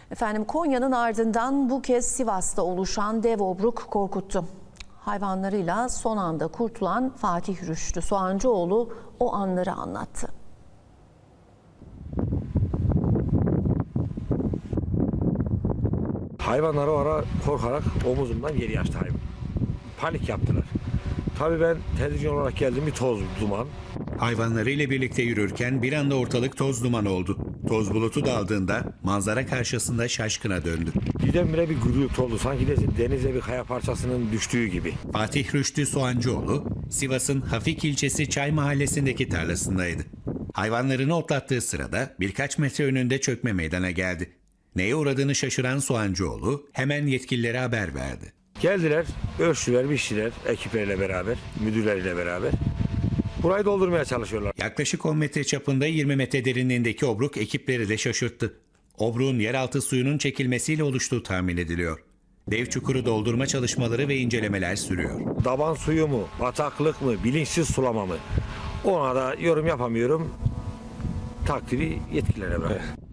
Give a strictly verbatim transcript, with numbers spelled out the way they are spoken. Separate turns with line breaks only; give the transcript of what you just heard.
Efendim Konya'nın ardından bu kez Sivas'ta oluşan dev obruk korkuttu. Hayvanlarıyla son anda kurtulan Fatih Rüştü Soğancıoğlu o anları anlattı.
Hayvanları o ara korkarak omuzumdan geri açtı hayvan. Panik yaptılar. Tabii ben televizyon olarak geldim, bir toz, duman.
Hayvanlarıyla birlikte yürürken bir anda ortalık toz duman oldu. Toz bulutu daldığında manzara karşısında şaşkına döndü.
Birdenbire bir gürültü oldu. Sanki de denize bir kaya parçasının düştüğü gibi.
Fatih Rüştü Soğancıoğlu, Sivas'ın Hafik ilçesi Çay mahallesindeki tarlasındaydı. Hayvanlarını otlattığı sırada birkaç metre önünde çökme meydana geldi. Neye uğradığını şaşıran Soğancıoğlu hemen yetkililere haber verdi.
Geldiler, ölçtüler, biçtiler ekipleriyle beraber, müdürleriyle beraber. Burayı doldurmaya çalışıyorlar.
Yaklaşık on metre çapında yirmi metre derinliğindeki obruk ekipleri de şaşırttı. Obruğun yeraltı suyunun çekilmesiyle oluştuğu tahmin ediliyor. Dev çukuru doldurma çalışmaları ve incelemeler sürüyor.
Daban suyu mu, bataklık mı, bilinçsiz sulama mı? Ona da yorum yapamıyorum. Takdiri yetkililere bırak.